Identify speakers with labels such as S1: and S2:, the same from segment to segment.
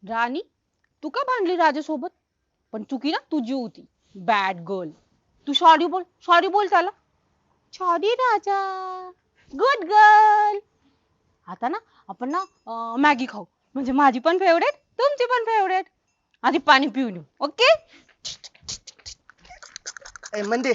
S1: राणी, तू का भांडली राजासोबत? पण चुकी ना तुझी होती. Bad girl. तू सॉरी बोल त्याला. सॉरी राजा. Good girl. आता ना आपण ना मॅगी खाऊ. म्हणजे माझी पण फेवरेट, तुमची पण फेवरेट. आधी पाणी पिऊन येऊ. ओके?
S2: म्हणजे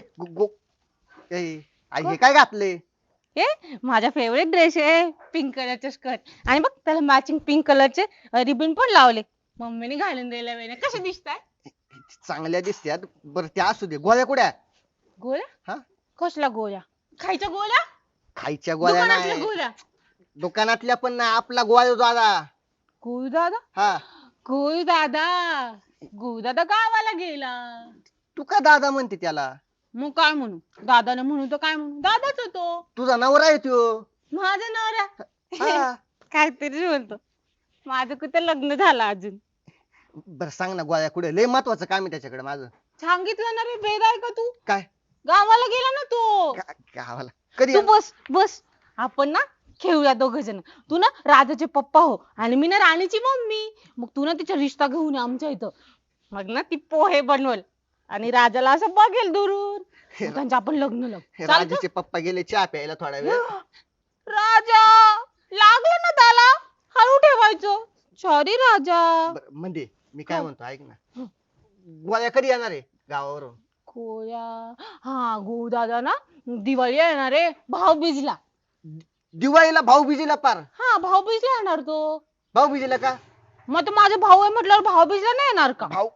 S2: हे काय घातले?
S1: हे माझा फेवरेट ड्रेस आहे, पिंक कलरचे स्कर्ट. आणि बघ त्याला मॅचिंग पिंक कलरचे रिबन पण लावले. मम्मीने घालून दिले वेणे. कसे दिसताय?
S2: चांगल्या दिसत्यात. बरं त्या असू दे, गोळ्या कुड्या?
S1: गोळ्या?
S2: हा,
S1: कसल्या गोळ्या? खायच्या गोळ्या?
S2: खायच्या गोळ्या
S1: दुकानातल्या
S2: नाही.
S1: गोळ्या?
S2: दुकानातल्या पण नाही, आपला गोळ्या दादा.
S1: गुरु दादा?
S2: हा.
S1: गुरु दादा. गुरु दादा गावाला गेला.
S2: तू का दादा म्हणते त्याला?
S1: मग काय म्हणू? दादाला म्हणू तर काय म्हणू? दादाच होतो.
S2: तुझा नवरा आहे त्यो.
S1: माझा नवरा.
S2: हा.
S1: काहीतरी म्हणतो. माझं कुठं लग्न झालं अजून?
S2: बरं सांग ना, गोळ्या कुठे? लय महत्वाचं काम आहे त्याच्याकडे माझं.
S1: सांगितलं ना रे, बेद आहे का तू?
S2: काय?
S1: गावाला गेला ना तो.
S2: गावाला कधी
S1: तू
S2: येणार?
S1: बस. आपण ना खेळूया दोघ जण. तू ना राजाचे पप्पा हो आणि मी ना राणीची मम्मी. मग तू ना तिचा रिश्ता घेऊन ये आमच्या इथं. मग ना ती पोहे बनवल आणि राजाला असं बघेल दुरून. मग त्यांचं आपण लग्न लावू. चालतं?
S2: राजाचे पप्पा गेले चहा प्यायला थोडा वेळ.
S1: राजा लागलं ना त्याला. हळू ठेवायचं. सॉरी राजा.
S2: बरं, म्हणजे मी काय
S1: हा.
S2: म्हणतो ऐक ना, गोळ्या कधी येणार आहे गावावरून?
S1: गोळ्या. हा, गो दादा ना दिवाळी येणार रे, भाऊबीजला.
S2: दिवाळीला भाऊबीजेला पार?
S1: हा, भाऊबीजला येणार तो.
S2: भाऊबीजेला का?
S1: मग तो माझा भाऊ आहे म्हटल्यावर भाऊबीजला नाही येणार का?
S2: भाऊ.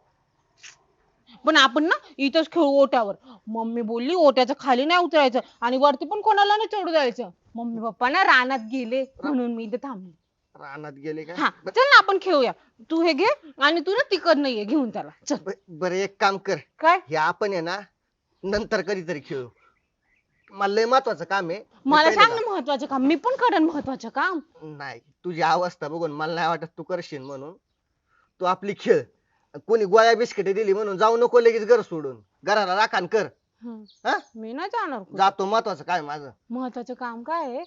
S1: पण आपण ना इथंच खेळू ओट्यावर. मम्मी बोलली ओट्याच्या खाली नाही उतरायचं आणि वरती पण कोणाला नाही चढू द्यायचं. मम्मी पप्पा ना रानात गेले म्हणून मी इथे थांबले.
S2: रानात गेले का?
S1: हा, चल ना आपण खेळूया. तू हे घे आणि तू ना तिकडनं ये घेऊन त्याला. चल.
S2: बरं एक काम कर,
S1: काय?
S2: हे आपण आहे ना नंतर कधीतरी खेळू. मला लय महत्वाचं काम आहे. मी
S1: मला
S2: पहिले
S1: सांग ना महत्वाचं काम, मी पण करेन महत्वाचं काम.
S2: नाही, तुझी अवस्था बघून मला नाही वाटत तू करशील म्हणून. तू आपली खेळ. कोणी गोळ्या बिस्किटे दिली म्हणून जाऊ नको लगेच घर सोडून. घराला राखण कर.
S1: हं.
S2: हा,
S1: मी नाही जाणार कुठं.
S2: जातो, महत्वाचं काय माझं.
S1: महत्वाचं काम काय आहे?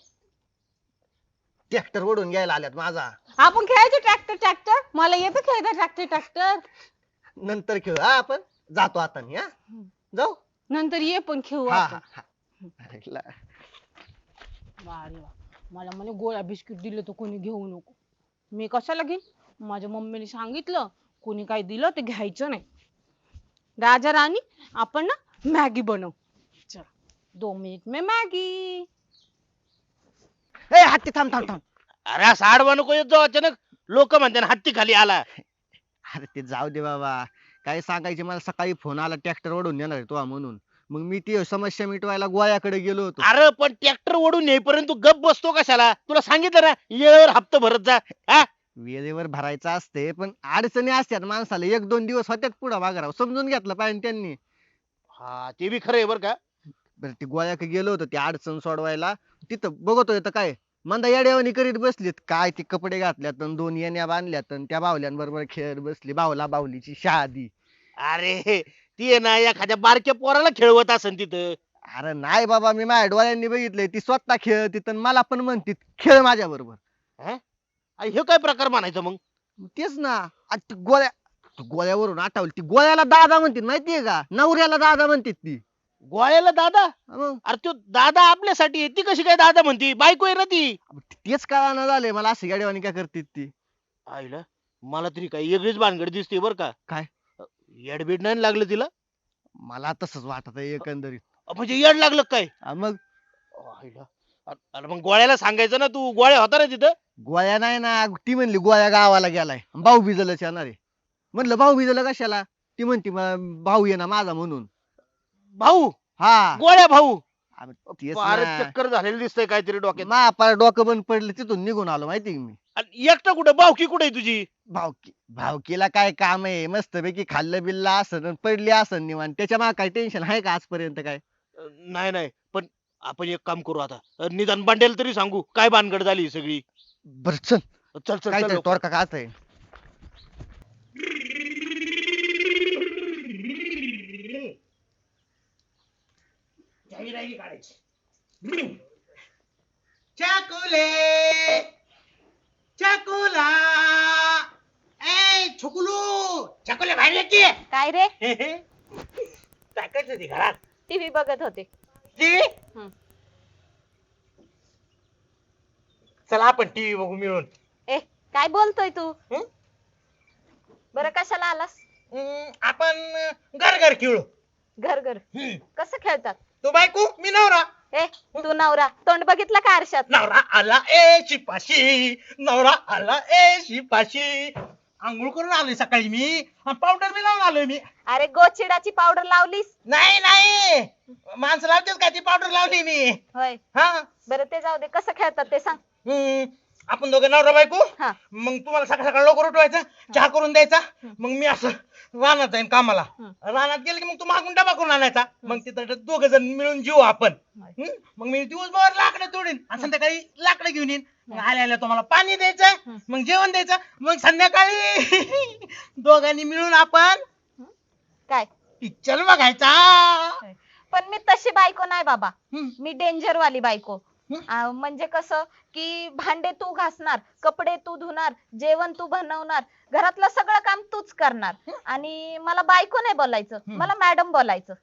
S2: ट्रॅक्टर ओढून घ्यायला आल्यात माझा.
S1: आपण खेळायचं ट्रॅक्टर. मला येतं खेळता ट्रॅक्टर.
S2: नंतर खेळ हा आपण. जातो आता मी. हा, जाऊ.
S1: नंतर ये पण खेळू
S2: हा
S1: आपण.
S2: हा हा. ऐकलं.
S1: वा रे वा. मला म्हणे गोळ्या बिस्किट दिले तर कोणी घेऊ नको. मी कशाला घेईन? माझ्या मम्मीने सांगितलं कोणी काही दिलं ते घ्यायचं नाही. राजा राणी, आपण ना मॅगी बनव. चल, 2 मिनिट में मॅगी.
S2: ए हत्ती, थांब थांब थांब.
S3: अरे साडवा नको येत जाऊ अचानक. लोक म्हणतात हत्ती खाली आला.
S2: अरे ते जाऊ दे बाबा. काय सांगायचे, मला सकाळी फोन आला ट्रॅक्टर ओढून नेणार आहे तो म्हणून. मग मी ती समस्या मिटवायला गोळ्याकडे गेलो होतो.
S3: अरे पण ट्रॅक्टर ओढून येईपर्यंत तू गप बसतो कशाला? तुला सांगितलं ना येळेवर हप्ता भरत जा. हा,
S2: वेळेवर भरायचं असते पण अडचणी असतात माणसाला. 1-2 दिवस होत्यात पुढं मागं, समजून घेतलं पाहिजे त्यांनी.
S3: हा ते बी खरं आहे बरं का.
S2: बरं ते गोळ्याकडे गेलो होतो ती अडचण सोडवायला. तिथं बघतोय तर काय मंदा येड्यावानी करीत बसलीत. काय ते कपडे घातल्यात अन 2 येण्या बांधल्यात अन त्या बावल्यांबरोबर खेळत बसली. बावला बावलीची शादी.
S3: अरे ती आहे ना एखाद्या बारक्या पोराला खेळवत असन तिथं.
S2: अरे नाही बाबा, मी माझ्या डोळ्यांनी बघितलंय. ती स्वतः खेळती तर मला पण म्हणती खेळ माझ्या बरोबर.
S3: हा? अरे हे काय प्रकार म्हणायचं मग?
S2: तेच ना. आणि ती गोळ्यावरून आठवली, ती गोळ्याला दादा म्हणतील माहितीये का? नवऱ्याला दादा म्हणतात ती.
S3: गोळ्याला दादा?
S2: मग
S3: अरे तो दादा आपल्यासाठी आहे, ती कशी काय दादा म्हणती? बायको आहे ना ती.
S2: तेच कळाना झालंय मला, अशी गाडीवानी काय करते ती.
S3: आईला मला तरी काही वेगळीच भानगड दिसते बरं का.
S2: काय?
S3: येडबीड नाही लागलं तिला?
S2: मला तसंच वाटत एकंदरीत.
S3: म्हणजे येड लागलं काय?
S2: मग
S3: आईला. अरे मग गोळ्याला सांगायचं ना, तू गोळ्या होता ना तिथं.
S2: गोळ्या नाही ना, ती म्हणली गोळ्या गावाला गेलाय भाऊ बिजलच येणार आहे. म्हणलं भाऊ बिजल कशाला? ती म्हणती भाऊ ये ना माझा म्हणून.
S3: भाऊ?
S2: हा,
S3: गोळ्या भाऊ?
S2: तेच
S3: फारच
S2: ना.
S3: चक्कर झालेलं दिसतंय काहीतरी डोक्यात.
S2: महापार डोकं बंद पडलं, तिथून निघून आलो माहिती मी.
S3: आणि एकटा कुठं? भावकी कुठे आहे तुझी?
S2: भावकीला काय काम आहे? मस्तपैकी खाल्लं बिल्लं असन अन पडली असन निवांत. त्याच्या मागे काय टेन्शन आहे का आजपर्यंत काय?
S3: नाही नाही, पण आपण एक काम करू आता. निदान बंडेल तरी सांगू काय भानगड झाली ही सगळी.
S2: बर चल,
S3: चल चल
S2: काय
S3: चल लवकर.
S2: तोडका काच आहे.
S4: चकुले चकुला ए
S3: छकुलू छकुले बाहेर ये की.
S1: काय रे?
S3: काय करत होती घरात?
S1: टीव्ही बघत होते.
S3: टीव्ही.
S1: हं.
S3: चला आपण टीव्ही बघू मिळून.
S1: ए काय बोलतोय तू?
S3: हं?
S1: बरं कशाला आलास?
S3: आपण घर घर खेळू.
S1: घर घर कसं खेळतात?
S3: तू बायको मी नवरा.
S1: ए तू नवरा तोंड बघितलं का आरशात?
S3: नवरा आला ए शिपाशी, नवरा आला ए शिपाशी. आंघोळ करून आलोय सकाळी मी, पावडर बी लावून आलोय मी.
S1: अरे गोचिडाची पावडर लावलीस?
S3: नाही नाही, माणसं लावतेच का ती पावडर लावली मी.
S1: होय.
S3: हा.
S1: बरं ते जाऊ दे, कसं खेळतात ते सांग.
S3: आपण दोघे नवरा बायको.
S1: हा.
S3: मग तुम्हाला सकाळ सकाळ लवकर उठवायचं, चहा करून द्यायचा. मग मी असं रानात जाईन कामाला. रानात गेलं की मग तू मागून डबा करून आणायचा. मग तिथं दोघ जण मिळून जीव आपण. मग मी दिवसभर लाकडं तोडीन आणि संध्याकाळी लाकडं घेऊन येईन. मग आल्या आल्या तुम्हाला पाणी द्यायचं, मग जेवण द्यायचं. मग संध्याकाळी दोघांनी मिळून आपण
S1: काय
S3: पिक्चर बघायचा.
S1: पण मी तशी बायको नाही बाबा.
S3: हं.
S1: मी डेंजर वाली बायको.
S3: हं?
S1: म्हणजे कसं की भांडे तू घासणार, कपडे तू धुणार, जेवण तू बनवणार, घरातलं सगळं काम तूच करणार. आणि मला बायको नाही बोलायचं, मला मॅडम बोलायचं.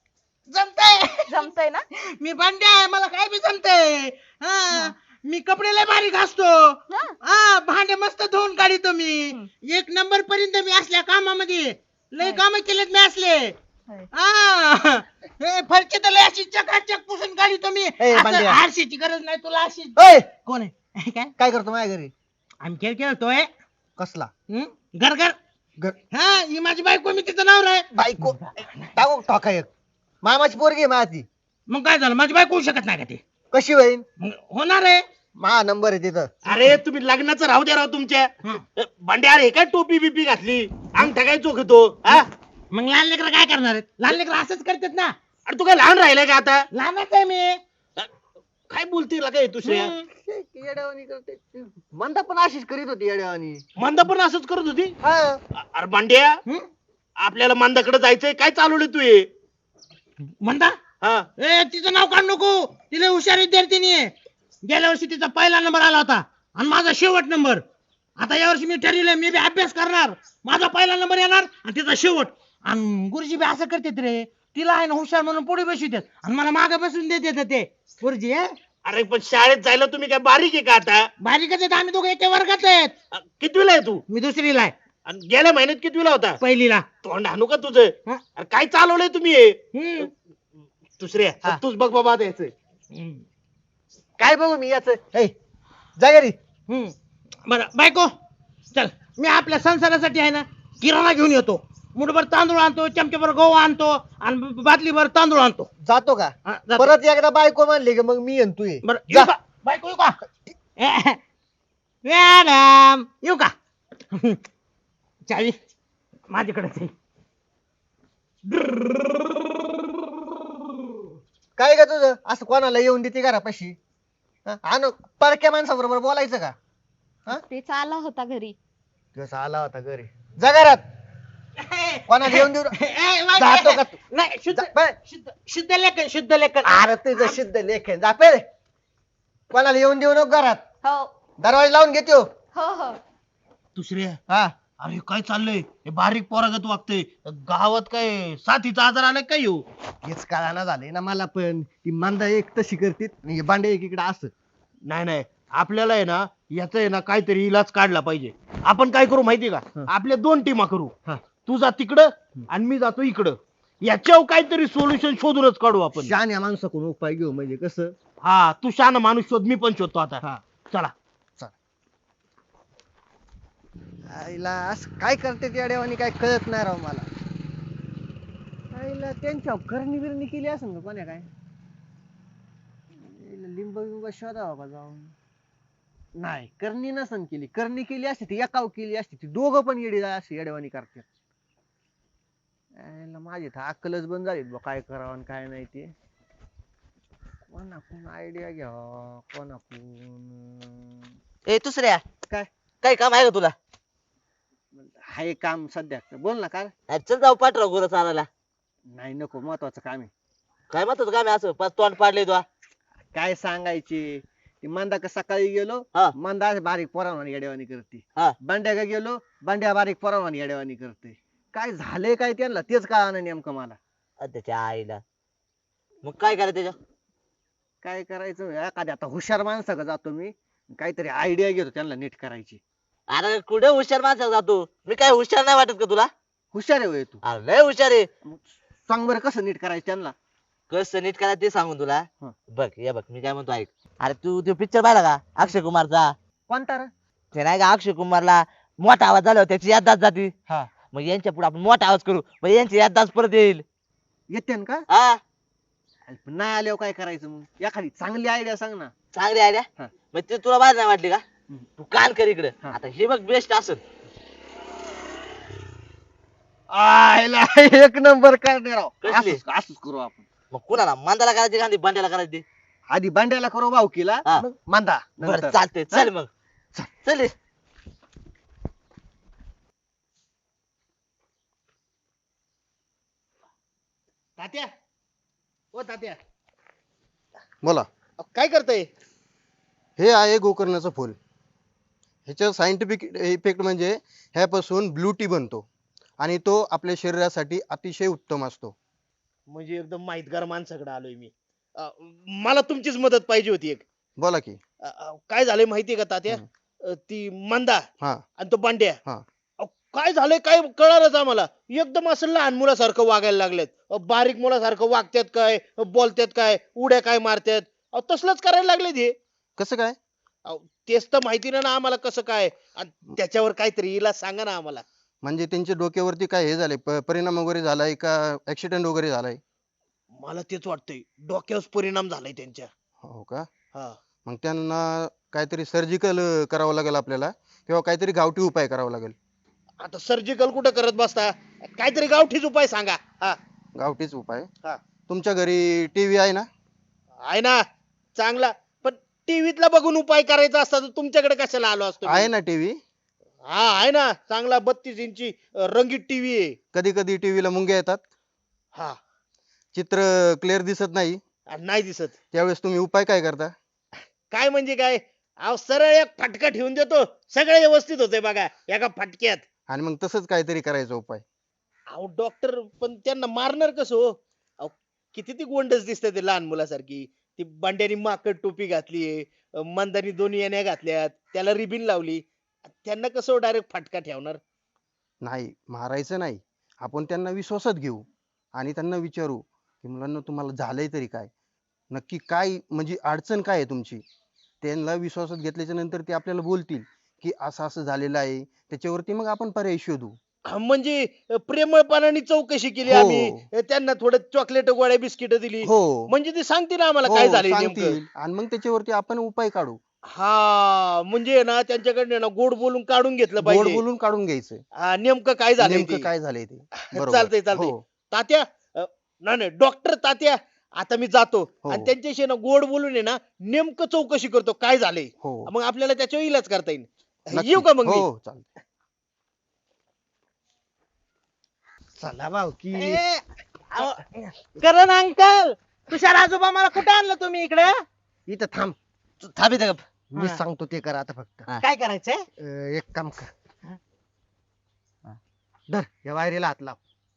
S3: जमतंय.
S1: जमतंय ना?
S3: मी भांडे आहे, मला काय बी जमतंय. हा. मी कपडे लय भारी घासतो.
S1: हा.
S3: हा, भांडे मस्त धुवून काढतो मी. एक नंबर पर्यंत मी असल्या कामामध्ये लय काम केलेत मी असले.
S1: होय.
S3: हा. हे फरची तर लय अशी चकाचक पुसून काढतो मी. असं
S2: भांड्या.
S3: आरशीची गरज नाही तुला. अशी
S2: ओय,
S3: कोण आहे? काय
S2: काय करतो माझ्या घरी?
S3: आम्ही खेळ खेळतोय.
S2: कसला
S3: घर घर.
S2: घर-
S3: हा, ही माझी बायको, मी तिचं नाव आहे.
S2: बायको टाकू टाका एक मामाची पोरगी आहे माझी.
S3: मग काय झालं, माझी बायको होऊ शकत नाही का ते?
S2: कशी होईन?
S3: मग होणार आहे.
S2: मा नंबर आहे तिथं.
S4: अरे तुम्ही लग्नाचं राहू द्या राव तुमच्या. भांडे अरे काय टोपी बिपी घातली, अंगठा काय चोखतो. हा,
S3: मग लहान लेकर काय करणार आहेत? लहान लेकर असंच करतात ना.
S4: अरे तू काय लहान राहिलाय का आता?
S3: लहानच आहे मी.
S4: काय बोलते काय दुसऱ्या?
S2: येड्यावानी करते. मंदा पण अशीच करीत होती येड्यावानी.
S4: मंदा पण असंच करत होती.
S2: हा.
S4: अरे भांड्या, आपल्याला मंदाकडे जायचंय, काय चालवलं तू हे?
S3: म्हणता
S4: हा,
S3: ए तिचं नाव काढ नको. तिला हुशार विद्यार्थिनी आहे. गेल्या वर्षी तिचा पहिला नंबर आला होता आणि माझा शेवट नंबर. आता यावर्षी मी ठरवलंय, मी बी अभ्यास करणार. माझा पहिला नंबर येणार आणि तिचा शेवट. आणि गुरुजी बी असं करतात रे, तिला आहे ना हुशार म्हणून पुढे बसवितात आणि मला मागे बसून देतात ते गुरुजी.
S4: अरे पण शाळेत जायला तुम्ही काय बारीक आहे का आता?
S3: बारीकच आहेत आम्ही दोघे एका वर्गात आहेत.
S4: कितवीला आहे तू?
S3: मी दुसरीला आहे,
S4: आणि गेल्या महिन्यात कितवीला होता?
S3: पहिलीला.
S4: तोंड हाणू का तुझं?
S3: हा?
S4: अरे काय चालवलंय तुम्ही हे?
S3: हम्म.
S4: दुसऱ्या
S2: हा.
S4: तूच बघ बाबा द्यायचंय.
S3: हम्म.
S2: काय बघू मी याच जा घरी.
S3: हम्म. बरं बायको, चल मी आपल्या संसारासाठी आहे ना किराणा घेऊन येतो. मुठभर तांदूळ आणतो, चमच्याभर गहू आणतो आणि बाटलीभर तांदूळ आणतो.
S2: जातो का?
S3: हा, जातो.
S2: परत एकदा बायको म्हणली की मग मी येईन तू ये.
S3: बरं
S2: जा.
S3: येऊ का बायको, येऊ का? मॅडम येऊ का? चावी माझ्याकडेच आहे.
S2: काय का तुझं असं कोणाला येऊन देते घरापाशी? आणू परक्या माणसाबरोबर बोलायचं का?
S1: तेच आला होता घरी.
S2: दिवस आला होता घरी. जा घरात. कोणाला येऊन देऊ जातो का तू?
S3: नाही, शुद्ध
S2: जा, पळ.
S3: शुद्ध शुद्ध लेखन, शुद्ध लेखन.
S2: अरे तुझं सिद्ध लेख आहे. जा पहिले. कोणाला येऊन देऊ नको घरात.
S1: हो
S2: दरवाजा लावून घेतो.
S1: हो हो.
S4: दुसऱ्या,
S2: हा.
S4: अरे काय चाललंय? हे बारीक पोरागत वागतंय. गावात काय साथीचा आजार आलाय काय येऊ?
S2: हेच कळाना झालंय ना मला पण. ती मांदा एक तशी करतीत आणि हे बांडे एक इकडे असं.
S4: नाही नाही, आपल्याला आहे ना याचा आहे ना काहीतरी इलाज काढला पाहिजे. आपण काय करू माहितीये का?
S2: हं.
S4: आपल्या 2 टीमा करू.
S2: हा.
S4: तू जा तिकडं आणि मी जातो इकडं. याच्यावर काहीतरी सोल्युशन शोधूनच काढू आपण.
S2: शहाण्या माणसाकडून उपाय घेऊ म्हणजे कसं.
S4: हा, तू शहाणा माणूस शोध, मी पण शोधतो आता.
S2: हा.
S4: चला.
S2: आईला असं काय करते त्या देवानी काय कळत नाही राव मला. आईला त्यांच्या करणी बिरणी केली असेल का कोण्या काय? आईला लिंब बिंब शोधावा का जाऊन? नाही, करणी नसन केली. करणी केली असती ती एकाव केली असती ती दोघं पण येडी अशी येडेवानी करतात. आईला माझी तर अक्कलच बंद झाली बा काय करावं आणि काय नाही ते. कोणाकडून आयडिया घ्यावा कोणाकडून.
S5: ए दुसऱ्या
S2: काय?
S5: काय काम आहे का तुला?
S2: हाय काम सध्या. बोल ना काय?
S5: अरे चल जाऊ पाठराव गुरं चालायला.
S2: नाही नको, महत्वाचं काम आहे.
S5: काय म्हणतो काम आहे असं पाच तोंड पाडले तुला?
S2: काय सांगायचे ती मंदा का सकाळी गेलो
S5: हा.
S2: मंदा बारीक पोरावानी येडेवानी करते.
S5: हा.
S2: बंड्या का गेलो बांड्या बारीक परवानी येड्यावानी करते. काय झालंय काय त्यांना तेच कळालं नेमकं मला.
S5: त्याच्या आईला मग काय करायचं त्याच्या
S2: काय करायचं एखाद्या आता हुशार माणसाकडे जातो मी, काहीतरी आयडिया घेतो त्यांना नीट करायची.
S5: अरे कुठे हुशार माणसा जातो मी काय हुशार नाही वाटत का तुला
S2: हुशार आहे होय तू.
S5: अरे लय हुशार आहे
S2: मग सांग बरं कसं नीट करायचं त्यांना.
S5: कसं नीट करायचं ते सांगून तुला
S2: हं.
S5: बघ मी काय म्हणतो ऐक अरे तू तो पिक्चर पाहिला का अक्षय कुमारचा
S2: कोणता रे?
S5: ते नाही का अक्षय कुमारला मोठा आवाज झाला त्याची याददास्त जाती
S2: हा.
S5: मग यांच्या पुढे आपण मोठा आवाज करू मग यांची याददास्त परत येईल
S2: येते ना का?
S5: हा
S2: पण नाही आल्यावर काय करायचं मग एखादी चांगली आयडिया सांग ना.
S5: चांगली आयडिया
S2: हा.
S5: मग ते तुला बाहेर नाही वाटली का
S2: हम्म.
S5: तू कान कर इकडे
S2: हा.
S5: आता हे बघ बेस्ट असेल
S2: आयला एक नंबर करणार राव.
S5: कसली?
S2: असंच करू आपण.
S5: मग कुणाला मांदाला करायची का बांड्याला करायची
S2: आधी बांड्याला करू भाऊकीला
S5: हा.
S2: मग मांदा
S5: बरं
S2: नंतर.
S5: चालतंय चल मग चल ये.
S4: तात्या ओ तात्या
S6: बोला.
S4: काय करताय?
S6: हे आहे गोकर्णाचं फुल. ह्याच्या सायंटिफिक इफेक्ट म्हणजे ह्यापासून ब्लू टी बनतो आणि तो आपल्या शरीरासाठी अतिशय उत्तम असतो.
S4: म्हणजे एकदम माहितगार माणसाकडे आलोय मी. मला तुमचीच मदत पाहिजे होती एक.
S6: बोला की.
S4: काय झालंय माहितीये का तात्या? ती मंदा
S6: हा
S4: आणि तो बांड्या
S6: हा.
S4: काय झालंय काय कळालंच आम्हाला. एकदम असं लहान मुलासारखं वागायला लागलेत. बारीक मुलासारखं वागतात काय, बोलतात काय, उड्या काय मारतात. तसलंच करायला लागले ते.
S6: कसं काय?
S4: तेच तर माहिती नाही ना आम्हाला कसं काय. आणि त्याच्यावर काहीतरी इलाज सांगा ना आम्हाला.
S6: म्हणजे त्यांच्या डोक्यावरती काय हे झालंय परिणाम वगैरे झालाय का ऍक्सिडेंट वगैरे झालाय?
S4: मला तेच वाटतंय डोक्यावर परिणाम झालाय त्यांच्या.
S6: हो का?
S4: हा.
S6: मग त्यांना काहीतरी सर्जिकल करावं लागेल आपल्याला किंवा काहीतरी गावठी उपाय करावा लागेल.
S4: आता सर्जिकल कुठं करत बसता, काहीतरी गावठीच उपाय सांगा. हा.
S6: गावठीच उपाय.
S4: हा.
S6: तुमच्या घरी टीव्ही आहे ना?
S4: आहे ना चांगला. पण टीव्हीतला बघून उपाय करायचा असता तर तुमच्याकडे कशाला आलो असतो मी?
S6: आहे ना टीव्ही.
S4: हा आहे ना चांगला 32 इंची रंगीत टीव्ही आहे.
S6: कधी कधी टीव्हीला मुंग्या येतात,
S4: हा.
S6: चित्र क्लिअर दिसत नाही,
S4: नाही दिसत.
S6: त्यावेळेस तुम्ही उपाय काय करता?
S4: काय म्हणजे काय, अहो सरळ एक फटका ठेवून देतो, सगळं व्यवस्थित होतंय बघा एका फटक्यात.
S6: आणि मग तसंच काहीतरी करायचा उपाय.
S4: अहो डॉक्टर पण त्यांना मारणार कसं हो? अहो किती ती गोंडच दिसते ते लहान मुलासारखी. ती बांड्यानी माकड टोपी घातलीये, मंदानी दोन्ही येण्या घातल्यात, त्याला रिबीन लावली. त्यांना कसं डायरेक्ट फटका ठेवणार?
S6: नाही, मारायचं नाही. आपण त्यांना विश्वासात घेऊ आणि त्यांना विचारू की मुलांना तुम्हाला झालंय तरी काय, नक्की काय म्हणजे अडचण काय आहे तुमची. त्यांना विश्वासात घेतल्याच्या नंतर ते आपल्याला बोलतील की असं असं झालेलं आहे, त्याच्यावरती मग आपण पर्याय शोधू.
S4: म्हणजे प्रेमळपणाने चौकशी केली
S6: हो.
S4: आम्ही, त्यांना थोडं चॉकलेट गोळ्या बिस्किट दिली,
S6: हो
S4: म्हणजे ते सांगतील आम्हाला
S6: हो,
S4: काय झालंय नेमकं.
S6: सांगतील आणि मग त्याच्यावरती आपण उपाय काढू.
S4: हा म्हणजे ना त्यांच्याकडे ना गोड बोलून काढून घेतलं
S6: गोड
S4: पाहिजे.
S6: बोलून काढून घ्यायचं,
S4: हा, नेमकं काय झालंय
S6: नेमकं
S4: ते.
S6: काय झालंय ते. बरोबर.
S4: चालतंय चालतंय.
S6: हो,
S4: तात्या नाही नाही डॉक्टर तात्या, आता मी जातो
S6: हो.
S4: आणि त्यांच्याशी ना गोड बोलून आहे ना नेमकं चौकशी करतो काय झालंय.
S6: हो.
S4: मग आपल्याला त्याच्यावर इलाज करता येईल.
S6: नक्की.
S4: येऊ का मग मी?
S6: हो चालतंय.
S2: चला भाऊकी.
S3: करण अंकल, तुषार आजोबा मला कुठे आणलं तुम्ही इकडे?
S2: इथं थांब,
S5: तू थांब इथं गप.
S2: मी सांगतो ते कर आता फक्त.
S5: हा.
S3: काय करायचंय?
S2: एक काम कर, धर या वायरीला हात लाव.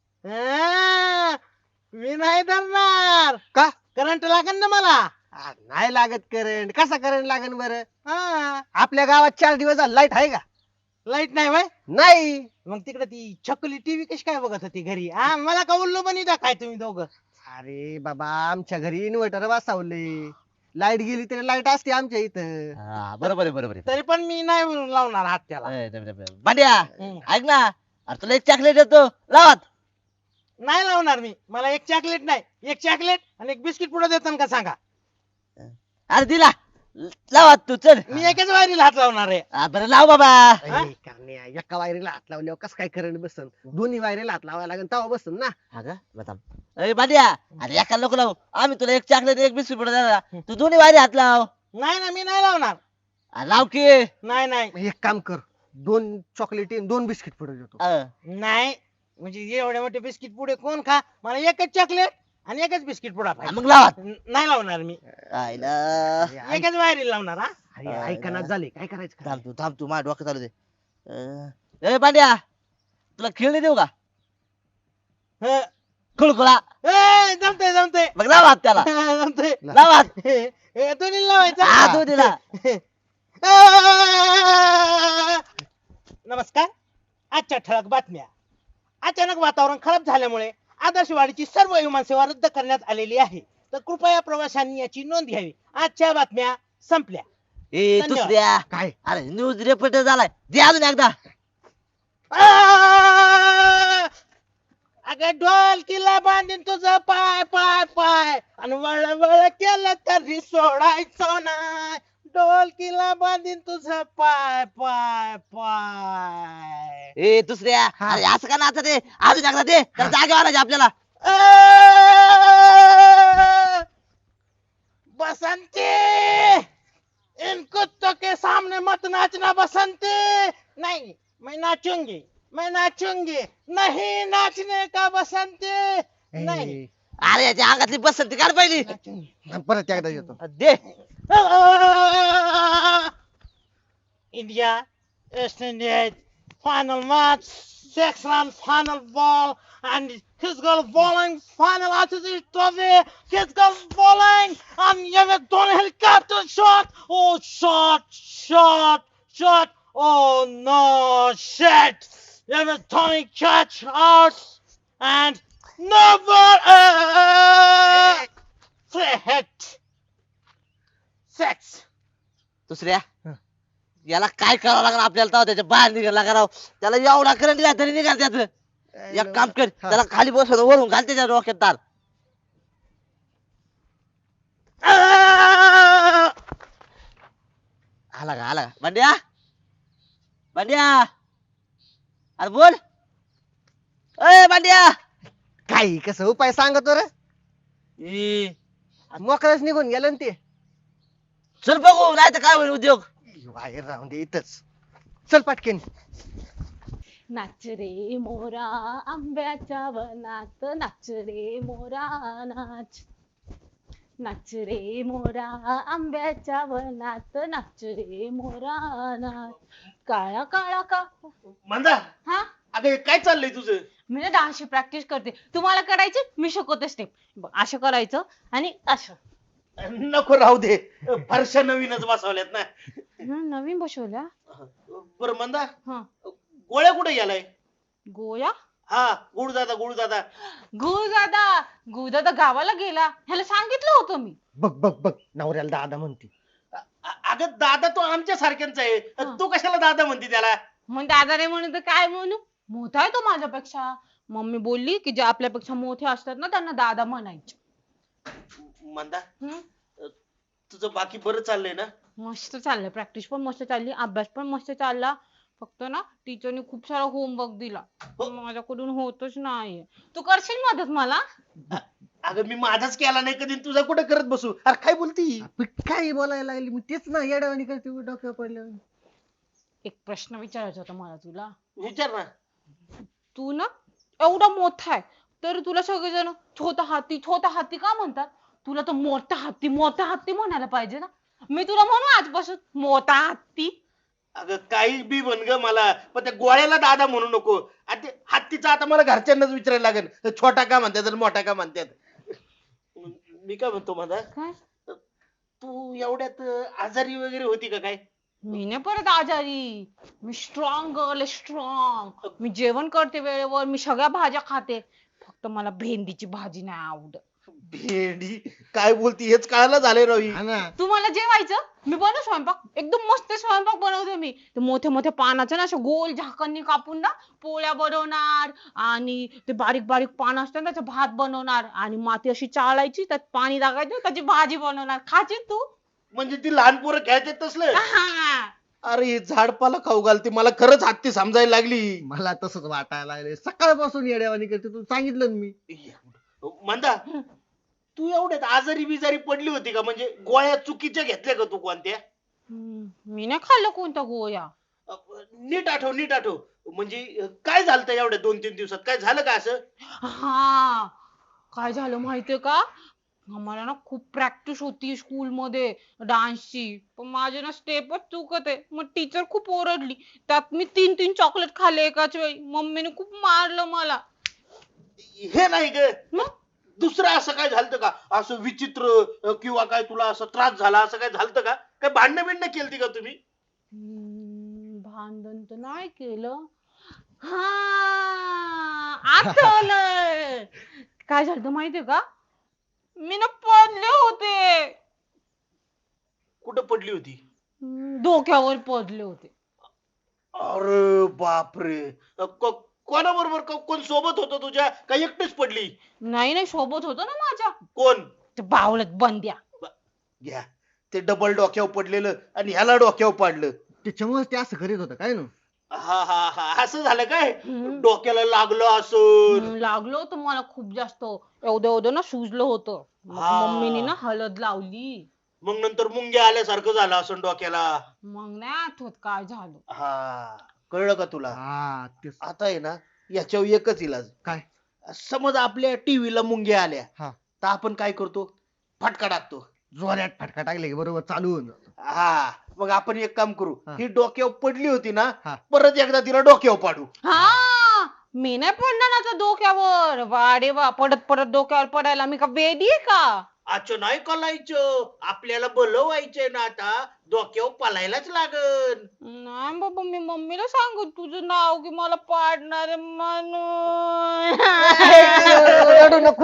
S3: मी नाही धरणार.
S2: का?
S3: करंट लागेल ना मला.
S2: नाही लागत करंट. कसा करंट लागन बरं?
S3: हा.
S2: आपल्या गावात 4 दिवस लाईट आहे का?
S3: लाईट नाही वय?
S2: नाही.
S3: मग तिकडे ती छकुली टीव्ही कशी काय बघत होती घरी? हा, मला का उल्लू पण इथं काय तुम्ही दोघं?
S2: अरे बाबा, आमच्या घरी इन्व्हर्टर बसवले, लाईट गेली तरी लाईट असते आमच्या इथं.
S5: हा, बरोबर आहे बरोबर आहे
S3: तरी पण मी नाही लावणार हात त्याला.
S5: बांड्या
S3: हम्म.
S5: ऐक ना अरे तुला एक चॉकलेट देतो लावात
S3: नाही लावणार मी. मला एक चॉकलेट नाही, एक चॉकलेट आणि एक बिस्किट पुढे देतात का सांगा?
S5: अरे दिला लावात तू चल
S3: मी एकच वायरीला हात लावणार आहे.
S5: बरं लाव बाबा
S3: हा?
S2: अरे कारण्या, एका वायरीला हात लावल्यावर कसं काय करंट बसन? दोन्ही वायरीला हात लावायला लागेल तेव्हा बसन ना.
S5: हा का बताम अरे बांड्या अरे एका नको लावू आम्ही तुला एक चॉकलेट एक बिस्किट पुढे देणार तू दोन्ही वारी हात लाव
S3: नाही ना, मी नाही लावणार.
S5: लाव की
S3: नाही नाही
S2: मग एक काम कर, 2 चॉकलेट 2 बिस्किट पुढे देतो.
S3: नाही, म्हणजे एवढे मोठे बिस्किट पुढे कोण खा? मला एकच चॉकलेट आणि एकच बिस्किट पुडा पाहिजे.
S5: मग लावात
S3: नाही लावणार मी.
S5: आईला
S2: अरे
S3: एकच वायरीला लावणार. हा,
S2: ऐकनात झाले, काय करायचं?
S5: थांब तू माझ्या डोक्यात चालू दे ए पांड्या तुला खेळणी देऊ का
S4: हं.
S5: खुळखुळा
S4: जमतंय जमतंय
S5: मग लाव हात त्याला
S4: जमतंय
S5: लाव हात
S4: दोन्ही लावायचं
S5: हा तू दिला
S4: नमस्कार. आजच्या ठळक बातम्या. अचानक वातावरण खराब झाल्यामुळे आदर्शवाडीची सर्व विमानसेवा रद्द करण्यात आलेली आहे, तर कृपया प्रवाशांनी याची नोंद घ्यावी. आजच्या बातम्या संपल्या.
S5: ए
S4: धन्यवाद.
S5: दुसऱ्या
S2: काय
S5: अरे न्यूज रिपोर्टर झालाय दे अजून एकदा
S4: अगं ढोलकीला बांधीन तुझं पाय पाय पाय आणि वळ वळ केलं तरी सोडायचं नाही. ढोलकीला बांधीन तुझं पाय पाय पाय.
S5: ए दुसऱ्या अरे असं का नाचत आहे अजून एकदा दे तर जागे आणायचे आपल्याला
S4: बसंती, इन कुत्तों के सामने मत नाचना बसंती. नहीं, मैं नाचूंगी, मैं नाचूंगी. नहीं नाचने का बसंती. नहीं
S5: अरे याच्या अंगातली बसंती काढ पहिली
S4: नाचूंगी.
S2: परत एकदा येतो
S5: दे
S4: India West Indies final match 6 run final ball and his goal bowling final RCB trophy. His goal bowling and Yemet Dhoni helicopter shot. Oh shot. Oh no shit. Yemet Dhoni catch out and never free hit. 6.
S5: दुसऱ्या याला काय करावं लागणार आपल्याला तेव्हा त्याच्या बाहेर निघायला करावं त्याला एवढा करंट द्या तरी निघाल त्याच एक काम कर त्याला खाली बसवतो वरून घाल त्याच्या डोक्यात तार आला का भांड्या भांड्या अरे बोल ए भांड्या
S2: काय कसं उपाय सांगतो रे
S5: ई,
S2: मोकळच निघून गेलं ना ते
S5: चल बघू नाही तर काय होईल उद्योग
S2: बाहेर राहून दे इथंच चल पाटकेन
S1: नाच रे मोरा आंब्याच्या वनात नाच रे मोरा नाच नाच रे मोरा आंब्याच्या वनात नाच रे मोरा नाच काळा काळा का
S4: मंदा,
S1: हा
S4: अगं काय चाललंय तुझं?
S1: मी ना डान्सची प्रॅक्टिस करते तुम्हाला करायची मी शिकवते स्टेप असं करायचं आणि असं
S4: नको राहू दे, फारशा नवीनच बसवल्यात ना.
S1: नवीन बसवल्या
S4: बरं मंदा,
S1: हा
S4: गोळ्या कुठे गेलाय?
S1: गोया
S4: हा गुळ दादा
S1: गुरुदादा गावाला गेला ह्याला सांगितलं होतं मी
S2: बघ नवऱ्याला दादा म्हणते
S4: अगं दादा तो आमच्या सारख्यांच आहे, तू कशाला दादा म्हणते त्याला?
S1: मग दादा रे म्हणून तर काय म्हणू मोठा आहे तो माझ्यापेक्षा मम्मी बोलली की जे आपल्यापेक्षा मोठे असतात ना त्यांना दादा म्हणायचे
S4: मंदा,
S1: हम्म?
S4: तुझं बाकी बरं चाललंय ना?
S1: मस्त चाललंय प्रॅक्टिस पण मस्त चालली अभ्यास पण मस्त चालला फक्त ना टीचरने खूप सारा होमवर्क दिला पण माझ्याकडून होतच नाही तू करशील मदत मला
S4: अगं मी माझाच केला नाही कधी, तुझा कुठे करत बसू? अरे काय बोलती?
S2: काय बोलायला लागली मी तेच ना येड्यावानी करते डोक्यावर पडलं
S1: एक प्रश्न विचारायचा होता मला तुला
S4: विचार ना.
S1: तू ना एवढा मोठा आहे तर तुला सगळेजण छोटा हाती का म्हणतात तुला तर मोठा हत्ती म्हणायला पाहिजे ना मी तुला म्हणू आजपासून मोठा हत्ती
S4: अगं काही बी म्हण ग मला, पण त्या गोळ्याला दादा म्हणू नको. आणि ते हत्तीचा आता मला घरच्यांनाच विचारायला लागेल छोटा का म्हणतात आणि मोठा का म्हणतात. मी काय म्हणतो माझा,
S1: काय
S4: तू एवढ्यात आजारी वगैरे होती का काय?
S1: मी नाही परत आजारी मी स्ट्रॉंग गर्ल स्ट्रॉंग मी जेवण करते वेळेवर मी सगळ्या भाज्या खाते फक्त मला भेंडीची भाजी नाही आवडत
S4: भेंडी काय बोलती हेच कळायला झाले रवी.
S2: हा ना
S1: तुम्हाला जेवायचं मी बनवू स्वयंपाक एकदम मस्त स्वयंपाक बनवते मी ते मोठ्या मोठ्या पानाचं ना असं गोल झाकणनी कापून ना पोळ्या बनवणार आणि ते बारीक बारीक पान असतात त्याचा भात बनवणार आणि माती अशी चाळायची त्यात पाणी टाकायचं त्याची भाजी बनवणार खाची तू
S4: म्हणजे ती लहान पोरं खेळतात तसलं?
S1: हा.
S4: अरे हे झाडपाला खाऊ घालते, मला खरंच हत्ती समजायला लागली.
S2: मला तसंच वाटायला लागले सकाळपासून येड्यावानी करते तू सांगितलं ना मी
S4: मंदा, तू एवढ्यात आजारी बिजारी पडली होती का? म्हणजे गोळ्या चुकीच्या घेतल्या का तू कोणत्या?
S1: मी नाही खाल्लं कोणता गोया
S4: नीट आठव म्हणजे काय झालं एवढ्या 2-3 दिवसात? काय झालं का असं?
S1: हा काय झालं माहितीये का आम्हाला ना खूप प्रॅक्टिस होती स्कूल मध्ये डान्सची, पण माझे ना स्टेपच चुकत आहे. मग टीचर खूप ओरडली. त्यात मी 3-3 चॉकलेट खाल्ले एकाच वेळी. मम्मीने खूप मारलं मला.
S4: हे नाही ग,
S1: मग?
S4: दुसरं असं काय झालं का, असं विचित्र किंवा काय तुला असं त्रास झाला, असं काय झालं का? काय भांडणं बिंडणं केलती का तुम्ही?
S1: भांडण तर नाही केलं. हा, आठवलं. काय झालं माहितीये का, मी ना पडले होते.
S4: कुठं पडली होती?
S1: डोक्यावर पडले होते.
S4: अरे बापरे, कोणाबरोबर कोण सोबत होतं तुझ्या, का एकटीच पडली?
S1: नाही नाही, सोबत होतो ना माझ्या.
S4: कोण?
S1: ते बावळत बंद्या.
S4: घ्या, ते डबल डोक्यावर पडलेलं आणि ह्याला डोक्यावर पाडलं.
S2: त्याच्यामुळे ते असं करीत होतं काय ना.
S4: हा हा हा, असं झालं काय?
S1: हम्म.
S4: डोक्याला लागलं असं.
S1: लागलं होतं मला खूप जास्त. एवढं एवढं ना सुजलं होतं. मग
S4: हा.
S1: मम्मीने ना हळद लावली.
S4: मग नंतर मुंग्या आल्यासारखं झालं असं डोक्याला.
S1: मग नाही आठवत काय झालं.
S4: हा, कळलं का तुला?
S2: हा तेच.
S4: आता आहे ना, याच्यावर एकच इलाज.
S2: काय?
S4: समज आपल्या टीव्हीला मुंग्या आल्या,
S2: हा.
S4: तर आपण काय करतो? फटका टाकतो.
S2: जोरात फटका टाकले की बरोबर चालू होऊन जातं.
S4: हा, मग आपण एक काम करू,
S2: हा.
S4: ही डोक्यावर पडली होती ना,
S2: हा.
S4: परत एकदा तिला डोक्यावर पाडू.
S1: हा, मी नाही पडणार ना त्या डोक्यावर. वा रे वा, पडत पडत डोक्यावर पडायला मी का वेडी आहे का?
S4: अच्छा, नाही कलायचं, आपल्याला बोलवायचंय ना, आता डोक्यावर पालायलाच लागल.
S1: नाही बाबा, मी मम्मीला सांगू तुझं नाव की मला पाडणार आहे म्हणून.
S2: रडू नको.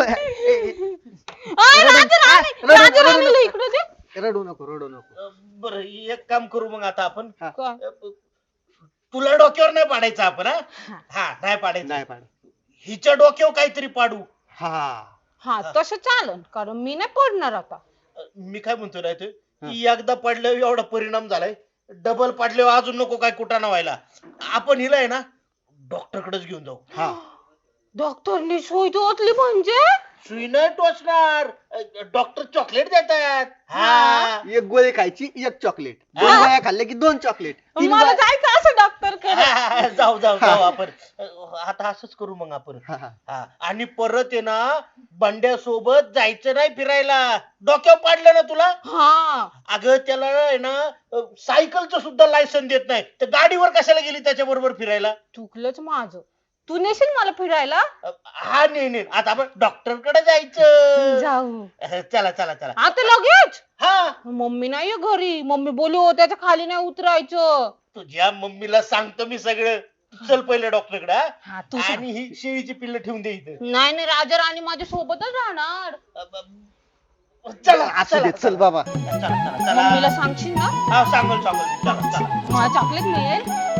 S1: अय, राजा राणी, राजा राणीला इकडे दे.
S2: रडू नको रडू नको.
S4: बरं, एक काम करू मग आता आपण.
S1: काय?
S4: तुला डोक्यावर नाही पाडायचं आपण. हा
S1: हा.
S4: हा, नाही पाडायचं.
S2: नाही पाड.
S4: हिच्या डोक्यावर काहीतरी पाडू.
S2: हा.
S1: हा, तसं चालन, कारण मी नाही पडणार आता.
S4: मी काय म्हणतो ना ते, की एकदा पडल्यावर एवढा परिणाम झालाय, डबल पडल्यावर अजून नको काय कुटाणा व्हायला. आपण हिला आहे ना डॉक्टर कडेच घेऊन जाऊ.
S2: हा.
S1: डॉक्टरनी सुई टोचली म्हणजे?
S4: सुई नाही टोचणार, डॉक्टर चॉकलेट देतात. हा.
S2: एक गोळी खायची एक चॉकलेट. दोन
S4: हा.
S2: गोळ्या खाल्ल्या की 2 चॉकलेट.
S1: मला जायचं असं डॉक्टर कडे.
S4: जाऊ जाऊ जाऊ आपण. आता असंच करू मग आपण.
S2: हा, हा.
S4: हा, आणि परत आहे ना बंड्यासोबत जायचं नाही फिरायला. डोक्यावर पाडलं ना तुला,
S1: हा,
S4: अगं त्याला आहे ना सायकलचं सुद्धा लायसन देत नाही, तर गाडीवर कशाला गेली त्याच्या बरोबर फिरायला?
S1: चुकलंच माझं. तू नेशील मला फिरायला?
S4: हा, नाही आता आपण डॉक्टर कडे जायचं.
S1: जाऊ.
S4: चला चला चला.
S1: आता लगेच?
S4: हा,
S1: मम्मी नाहीये घरी. मम्मी बोली हो त्याच्या खाली नाही उतरायचं.
S4: तुझ्या मम्मीला सांगतो मी सगळं. चल पहिले डॉक्टर कडे.
S1: हा, तू सांग.
S4: आणि ही शेळीची पिल्ल ठेवून दे इथं.
S1: नाही नाही, राजा राणी माझ्या सोबतच राहणार.
S4: चला
S2: असू दे चल बाबा.
S4: चला चला चला.
S1: मम्मीला सांगशील ना?
S4: हा, सांगल सांगल. चला चला.
S1: मला चॉकलेट मिळेल?